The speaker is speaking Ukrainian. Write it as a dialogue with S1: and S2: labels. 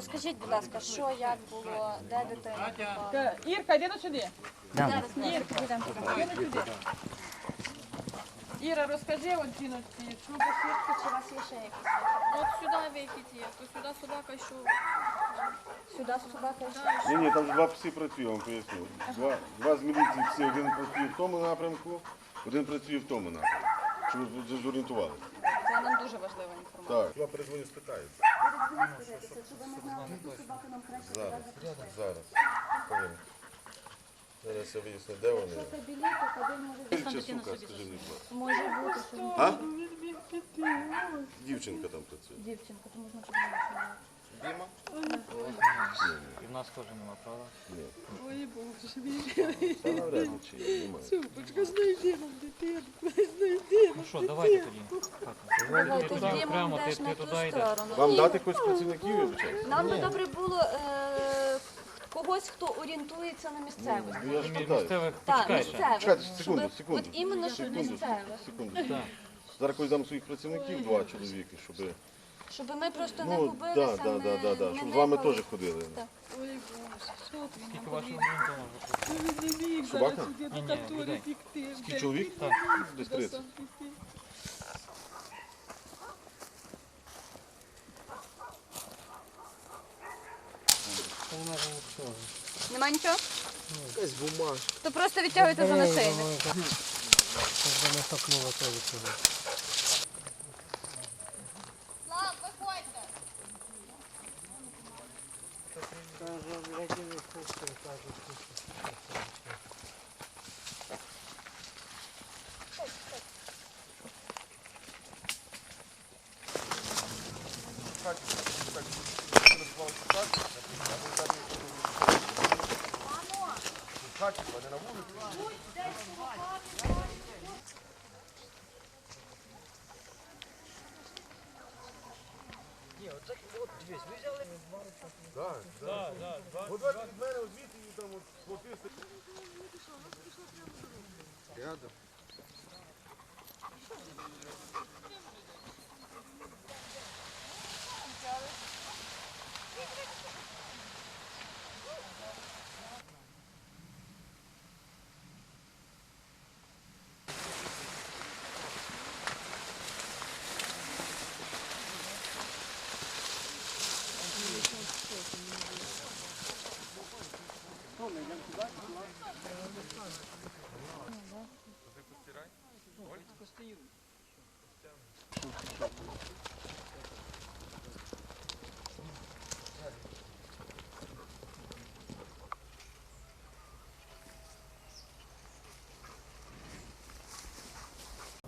S1: Розкажіть, будь ласка, що, як було, де дитина була?
S2: Ірка, йди сюди.
S1: Зараз ми підемо туди.
S2: Йди сюди. Іра, розкажи от жіночці, що
S1: Швидко, чи у вас є ще якісь?
S3: От сюди вихід є, то сюди собака йшов.
S1: Сюди собака йшла?
S4: Ні, там два пси працює, я вам поясню. Два з міліції пси, один працює в тому напрямку, один працює в тому напрямку. Щоб ви зорієнтувалися.
S1: Це нам дуже важлива інформація.
S4: Так. Я перезвоню, спитаю. Зараз. Хвилину. Зараз я виясню, де вони. Ще сука, скажи мені, будь ласка.
S1: Може бути, що
S4: А? Дівчинка там працює.
S1: дівчинка, то можна подумати.
S4: Діма?
S5: І в нас теж нема, правда?
S4: Ні.
S2: Ой, Боже мій.
S4: Та навряд чи є, немає.
S2: Супочка, знайди нам дитину, знайди.
S5: Ну що, давайте тоді.
S1: Давай,
S5: Ти
S1: ти
S5: туди,
S1: Дімон
S5: прямо,
S1: йдеш
S5: ти
S1: на ту
S5: туди йдеш.
S1: сторону.
S4: Вам дати когось працівників, я вибачаюсь?
S1: Нам би добре було когось, хто орієнтується на місцевості.
S4: Ну, я ж питаю.
S5: Місцевих
S1: Так,
S5: почекай ще.
S1: місцевих.
S4: Чекайте, секунду,
S1: Щоб-
S4: секунду.
S1: От іменно, щоб місцевих.
S4: Секунду. Зараз когось дам своїх працівників, два чоловіки, щоб...
S1: Щоб ми просто не
S4: Ну,
S1: губилися,
S4: да.
S1: не
S4: Щоб з вами
S1: никали.
S4: теж ходили.
S1: Так.
S2: Ой, Боже, що ти?
S5: Скільки вашого орієнтовно вже?
S2: Він не міг
S4: Собака?
S2: зараз сюди
S5: Ні,
S2: до катури
S5: людей.
S2: пікти.
S4: Скільки чоловік?
S5: Так.
S4: Десь 30.
S1: Нема нічого?
S6: Якась бумажка.
S1: То просто відтягуйте за нашийник.
S4: От від мене звідти і там хлопці.
S6: Рядом.
S5: Постирай.